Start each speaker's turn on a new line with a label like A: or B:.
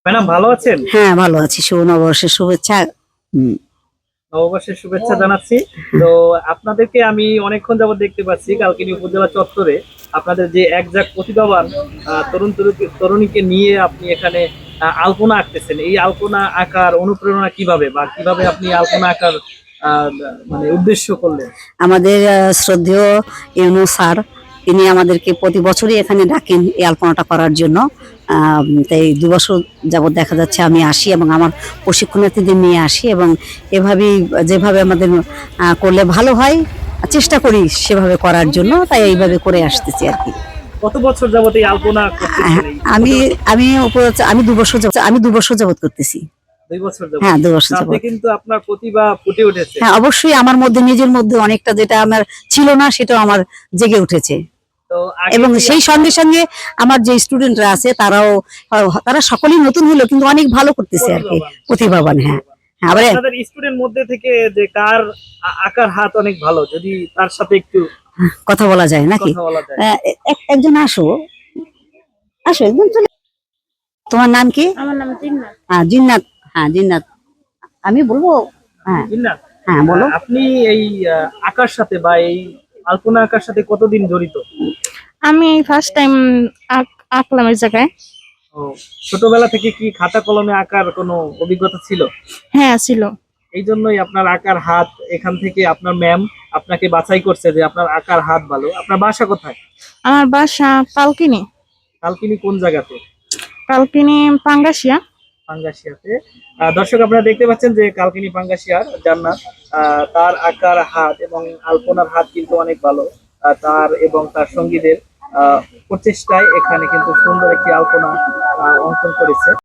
A: Madam ভালো আছেন?
B: হ্যাঁ, ভালো আছি। শুভ নববর্ষের শুভেচ্ছা। হুম।
A: নববর্ষের শুভেচ্ছা জানাচ্ছি। তো আপনাদেরকে আমি অনেকক্ষণ যাবত দেখতে পাচ্ছি কালকিনি উপজেলা চত্বরে আপনাদের যে একজাক প্রতিভাবান তরুণীকে নিয়ে আপনি এখানে আলপনা আঁকতেছেন। এই আলপনা আঁকার অনুপ্রেরণা কিভাবে বা কিভাবে আপনি আলপনা আঁকার আহ, মানে উদ্দেশ্য করলেন?
B: আমাদের শ্রদ্ধেয় ইউনূস স্যার, তিনি আমাদেরকে প্রতি বছরই এখানে ডাকেন এই আলপনাটা করার জন্য। তাই ২ বছর যাবৎ দেখা যাচ্ছে আমি আসি এবং আমার প্রশিক্ষণার্থীদের নিয়ে আসি, এবং এভাবেই যেভাবে আমাদের করলে ভালো হয় চেষ্টা করি সেভাবে করার জন্য, তাই এইভাবে করে আসতেছি আর কি।
A: কত বছর যাবত এই আলপনা করতেছেন? এই
B: আমি
A: উপজেলা
B: আমি আমি ২ বছর যাবৎ করতেছি।
A: 2 বছর যাবত
B: হ্যাঁ, ২ বছর
A: তাতে
B: যাবৎ।
A: কিন্তু আপনার প্রতিভা ফুটে উঠেছে।
B: হ্যাঁ, অবশ্যই আমার মধ্যে, নিজের মধ্যে অনেকটা যেটা আমার ছিল না সেটাও আমার জেগে উঠেছে।
A: তো আগে
B: এবং
A: কি
B: সেই সঙ্গে সঙ্গে আমার যে স্টুডেন্টরা আছে তারাও, তারা সকলেই নতুন হলেও কিন্তু অনেক ভালো করতেছে আর কি,
A: প্রতিভাবান,
B: প্রতিভাবান। হ্যাঁ, হ্যাঁ, আবার
A: আপনাদের স্টুডেন্ট মধ্যে থেকে যে কার আঁকার হাত অনেক ভালো, যদি তার সাথে একটু
B: কথা বলা যায় নাকি?
A: কথা বলা যায়।
B: একজন আসো, আসো একদম চলে। তোমার নাম কি?
C: আমার নাম জিন্নাত।
B: হ্যাঁ, জিন্নাত। হ্যাঁ, জিন্নাত। আমি বলবো? হ্যাঁ,
A: না,
B: হ্যাঁ, বলো।
A: আপনি এই আঁকার সাথে বা এই আলপনা আঁকার সাথে কতদিন জড়িত?
C: আমি ফার্স্ট টাইম আঁকলাম এই জায়গায়।
A: ও, ছোটবেলা থেকে কি খাতা কলমে আঁকার কোনো অভিজ্ঞতা ছিল?
C: হ্যাঁ, ছিল।
A: এই জন্যই আপনার আঁকার হাত, এখান থেকে আপনার ম্যাম আপনাকে বাছাই করছে যে আপনার আঁকার হাত ভালো। আপনার বাসা কোথায়?
C: আমার বাসা কালকিনি।
A: কালকিনি কোন জায়গাতে?
C: কালকিনি পাঙ্গাসিয়া।
A: পাঙ্গাসিয়াতে। দর্শক আপনারা দেখতে পাচ্ছেন যে কালকিনি পাঙ্গাসিয়ার জান্নাত, তার আঁকার হাত এবং আলপনার হাত কিন্তু অনেক ভালো। তার এবং তার সঙ্গীদের প্রচেষ্টায় এখানে কিন্তু সুন্দর একটি আলপনা অঙ্কন করেছে।